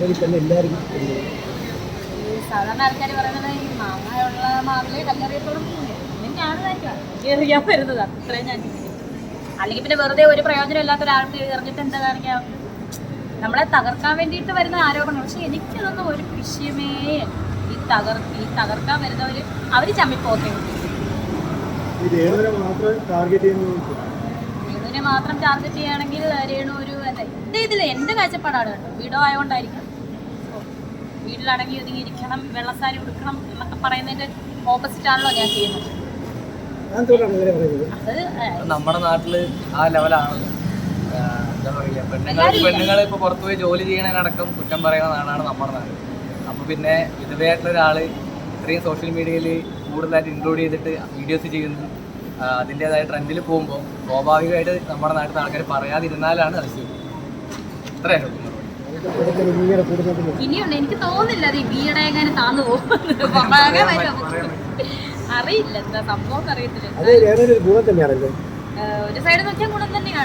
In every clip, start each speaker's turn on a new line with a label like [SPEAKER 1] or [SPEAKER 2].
[SPEAKER 1] സാധാരണ ആൾക്കാർ പറയുന്നത് ഈ മാങ്ങയുള്ള മാവില് കല്ലെറിയത്തോടും എറിയാൻ വരുന്നത് അത്രയും ഞാൻ അല്ലെങ്കിൽ പിന്നെ വെറുതെ ഒരു പ്രയോജനം ഇല്ലാത്ത ഒരാൾക്ക് എറിഞ്ഞിട്ട് എന്താ കാണിക്കുക, നമ്മളെ തകർക്കാൻ വേണ്ടിയിട്ട് വരുന്ന ആരോപണം. പക്ഷെ എനിക്കതൊന്നും ഒരു വിഷയമേ ഈ തകർക്കാൻ വരുന്നവർ അവർ ചമ്മിപ്പോക്കെ രേണുവിനെ മാത്രം ടാർഗറ്റ് ചെയ്യുകയാണെങ്കിൽ രേണു ഒരു എൻ്റെ കാഴ്ചപ്പാടാണ് കേട്ടോ. വീടോ ആയതുകൊണ്ടായിരിക്കും. വീട്ടിലടങ്ങി ഒതുങ്ങിയിരിക്കണം, വെള്ളസാരി ഉടുക്കണം എന്നൊക്കെ പറയുന്നതിന്റെ ഓപ്പോസിറ്റ് ആണല്ലോ ഞാൻ ചെയ്യുന്നത്.
[SPEAKER 2] നമ്മുടെ നാട്ടില് ആ ലെവലാണ്. എന്താ പറയുക, പെണ്ണുങ്ങൾ ഇപ്പൊ പുറത്തുപോയി ജോലി ചെയ്യണതിനടക്കം കുറ്റം പറയുന്ന നാടാണ് നമ്മുടെ നാട്. അപ്പൊ പിന്നെ വിധവയായിട്ടുള്ള ഒരാള് ഇത്രയും സോഷ്യൽ മീഡിയയിൽ കൂടുതലായിട്ട് ഇൻക്ലൂഡ് ചെയ്തിട്ട് വീഡിയോസ് ചെയ്യുന്നു, അതിൻ്റെതായ ട്രെൻഡിൽ പോകുമ്പോൾ സ്വാഭാവികമായിട്ട് നമ്മുടെ നാട്ടിൽ ആൾക്കാർ പറയാതിരുന്നാലാണ് അതിശയം. ഇത്രയാണ്.
[SPEAKER 1] ഇനിയുണ്ട്, എനിക്ക് തോന്നുന്നില്ല അത് ഈ ബീയുടെ എങ്ങനെ താന്നു പോകും. അറിയില്ല എന്താ സംഭവം അറിയത്തില്ല. ഒരു സൈഡ് നോക്കിയാൽ ഗുണം തന്നെയാണ്.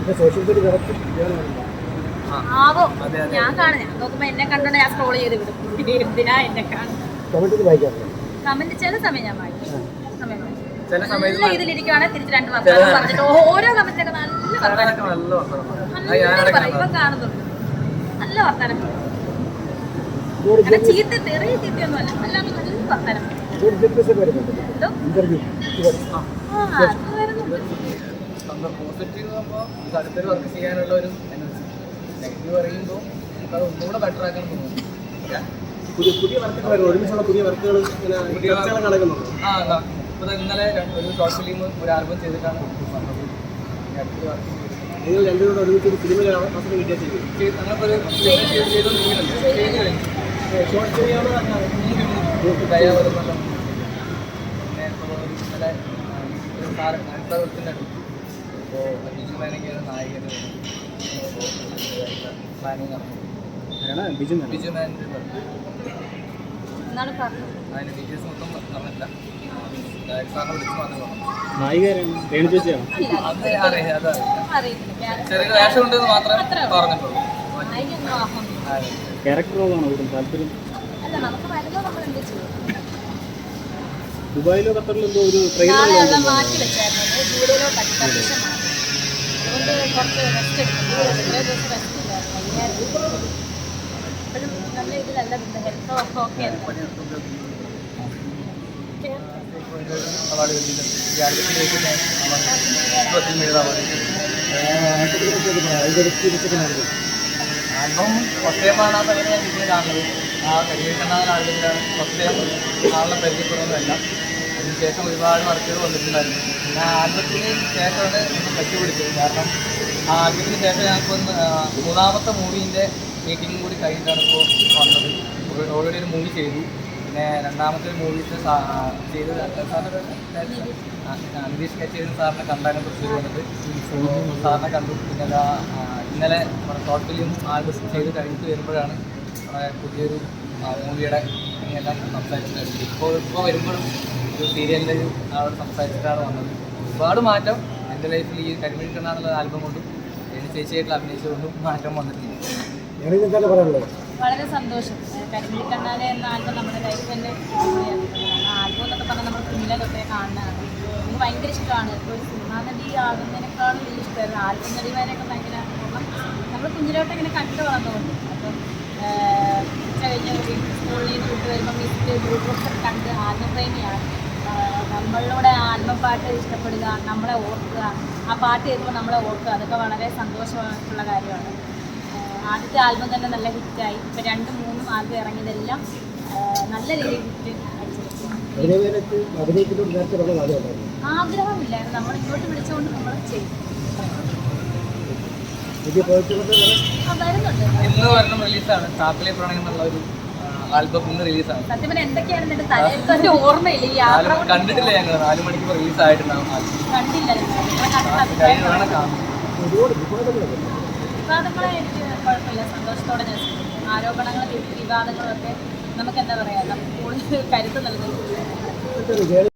[SPEAKER 1] ആവോ ഞാൻ കാണാം. ഞാൻ നോക്കുമ്പോ എന്നെ കണ്ടോണ്ട് ഞാൻ സ്ക്രോൾ ചെയ്ത് വിടും. എന്തിനാ എന്നെ കാണും. കമന്റ് ചില സമയം ഞാൻ വായിക്കും. നല്ല ഇതിലിരിക്കുകയാണെങ്കിൽ തിരിച്ച് 2 വർഷം പറഞ്ഞിട്ട് ഓരോ കമന്റിലൊക്കെ നല്ല വർത്താനം ഇപ്പൊ കാണുന്നുണ്ട്. നല്ല വർത്താനം ചീത്ത തെറിയ ചീത്തയൊന്നുമല്ല, അല്ലാതെ നല്ല വർത്താനം.
[SPEAKER 2] പോസിറ്റീവ് ആകുമ്പോൾ അടുത്തൊരു വർക്ക് ചെയ്യാനുള്ള ഒരു എനർജി, നെഗറ്റീവ് പറയുമ്പോൾ അത് ഒന്നുകൂടെ ബെറ്റർ ആക്കാൻ തോന്നുന്നു.
[SPEAKER 3] പുതിയ വർക്കുകൾ ഒരുമിച്ചുള്ള പുതിയ വർക്കുകൾ നടക്കുന്നുണ്ട്.
[SPEAKER 2] ഇപ്പോൾ ഇന്നലെ ഒരു ഷോർട്ട് ഫിലിം ഒരു ആൽബം ചെയ്തിട്ടാണ് വന്നത്. അടുത്തൊരു വർക്ക്
[SPEAKER 3] നിങ്ങൾ രണ്ടുപേരോട് ഒരുമിച്ച് ഒരു ഫിലിമിലാണ്
[SPEAKER 2] ഞങ്ങൾക്കൊരു ചെയ്തുകൊണ്ടിരിക്കുന്നുണ്ട്. ചെയ്ത് കഴിഞ്ഞു.
[SPEAKER 3] ഷോർട്ട് ഫിലിമാണ്
[SPEAKER 2] ദയാവരുന്നല്ലോ. പിന്നെ ഇപ്പോൾ ഇന്നലെ ഒരു സാരത്തിൻ്റെ അടുത്ത് ഇപ്പോൾ ബിജു മേനൊക്കെയാണ് നായകൻ. പ്ലാനിങ് നടന്നു. ബിജു മേനൻ്റെ അതിന് ഡീറ്റെയിൽസ് മൊത്തം പറഞ്ഞില്ല. സാറിനെ വിളിച്ച് മാത്രമേ പറഞ്ഞു. ചെറിയ വേഷം ഉണ്ടെന്ന് മാത്രമേ പറഞ്ഞിട്ടുള്ളൂ.
[SPEAKER 3] ദുബായിലോ ഖത്തറിലോ എന്തോ ഒരു
[SPEAKER 1] മാറ്റി വെച്ചായിരുന്നു. ജൂലൈയിലോ പരീക്ഷ മാറി. അതുകൊണ്ട് കുറച്ച് റെസ്റ്റ് എടുക്കും. ഇപ്പോഴും നല്ല ഇതിലല്ല health okay
[SPEAKER 2] award album first ടൈമാണ് ആ സമയത്ത് ഞാൻ വീട്ടിൽ കാണുന്നത്. ആ കരിവേക്കണ്ണാകുന്ന ആൽബത്തിലാണ് ഫസ്റ്റ് ടൈം ആളിനെ പരിചയപ്പെടുന്നതല്ല. അതിനുശേഷം ഒരുപാട് വർക്കുകൾ വന്നിട്ടുണ്ടായിരുന്നു. പിന്നെ ആ ആൽബത്തിന് ശേഷമാണ് നമ്മൾ കെട്ടിപ്പിടിച്ചത്. കാരണം ആ ആൽബത്തിന് ശേഷം ഞങ്ങൾക്ക് 3ാമത്തെ മൂവീൻ്റെ മീറ്റിംഗും കൂടി കഴിഞ്ഞിട്ടാണ് ഇപ്പോൾ വന്നത്. ഓൾറെഡി ഒരു മൂവി ചെയ്തു. പിന്നെ 2ാമത്തെ മൂവി ചെയ്ത് നിതീഷ് കച്ചേരി സാറിനെ കണ്ടാലും തൃശ്ശൂർ വന്നിട്ട് സാറിനെ കണ്ടു. പിന്നെ ഇന്നലെ നമ്മുടെ ഷോർട്ട് ഫിലിം ആൽബം ചെയ്ത് കഴിഞ്ഞിട്ട് വരുമ്പോഴാണ് നമ്മുടെ പുതിയൊരു മൂവിയുടെ എല്ലാം സംസാരിച്ചിട്ടുണ്ട്. ഇപ്പോൾ വരുമ്പോഴും ഒരു സീരിയലിൻ്റെ അവിടെ സംസാരിച്ചിട്ടാണ് വന്നത്. ഒരുപാട് മാറ്റം എൻ്റെ ലൈഫിൽ ഈ കരിമിഴിക്കണ്ണാന്നുള്ള ആൽബം കൊണ്ടും എൻ്റെ ചേച്ചിയായിട്ടുള്ള അഭിനയിച്ചുകൊണ്ടും മാറ്റം വന്നിട്ടുണ്ട്.
[SPEAKER 1] വളരെ സന്തോഷം. കരിമിഴിക്കണ്ണാലെ എന്ന ആൽബം നമ്മുടെ ലൈഫിൻ്റെ ആൽബം എന്നൊക്കെ പറഞ്ഞാൽ നമ്മൾ കുഞ്ഞിലെ തൊട്ടേ കാണുന്നതാണ്. എനിക്ക് ഭയങ്കര ഇഷ്ടമാണ്. ഇപ്പോൾ ഒരു സിനിമാ നടി ആകുന്നതിനേക്കാളും വലിയ ഇഷ്ടമായിരുന്നു ആൽബം നടിമാരെയൊക്കെ. ഭയങ്കര നമ്മൾ കുഞ്ഞിലോട്ട് ഇങ്ങനെ കണ്ടു വളർന്നുകൊണ്ട് അപ്പം ഉച്ച കഴിഞ്ഞ് സ്കൂളിൽ നിന്ന് വിട്ട് വരുമ്പോൾ മിസ്റ്റ് ഗ്രൂപ്പൊക്കെ കണ്ട് ആൽബം പ്രേമിയാണ്. നമ്മളിലൂടെ ആൽബം പാട്ട് ഇഷ്ടപ്പെടുക, നമ്മളെ ഓർക്കുക, ആ പാട്ട് കേൾക്കുമ്പോൾ നമ്മളെ ഓർക്കുക, അതൊക്കെ വളരെ സന്തോഷമായിട്ടുള്ള കാര്യമാണ്. ആദ്യത്തെ ആൽബം തന്നെ നല്ല ഹിറ്റായി. ഇപ്പോൾ 2-3 ആൽബം ഇറങ്ങിയതെല്ലാം നല്ല രീതിയിൽ ഹിറ്റ് അടിച്ചിരിക്കും. ആഗ്രഹമില്ലായിരുന്നു, നമ്മൾ ഇങ്ങോട്ട് വിളിച്ചുകൊണ്ട് നമ്മൾ ചെയ്യും. വരുന്നുണ്ട്.
[SPEAKER 2] ഇന്ന് വരുന്ന റിലീസാണ് ചാപ്പിലെ പ്രണയം എന്നുള്ള ഒരു ആൽബം. ഇന്ന് റിലീസാണ്.
[SPEAKER 1] സത്യം പറഞ്ഞാൽ എന്തൊക്കെയാണ് എന്റെ തലയിൽ ഓർമ്മയില്ല. ഈ യാത്ര
[SPEAKER 2] കണ്ടിട്ടില്ല. ഞങ്ങൾ 4 മണിക്ക് റിലീസ് ആയിട്ടുണ്ടാവും.
[SPEAKER 1] കണ്ടില്ല. വിവാദങ്ങളെ എനിക്ക് കുഴപ്പമില്ല, സന്തോഷത്തോടെ ഞാൻ ആരോപണങ്ങളും വിവാദങ്ങളും ഒക്കെ നമുക്ക് എന്താ പറയുക, നമുക്ക് കൂടുതൽ കരുത്ത് നൽകുന്നു.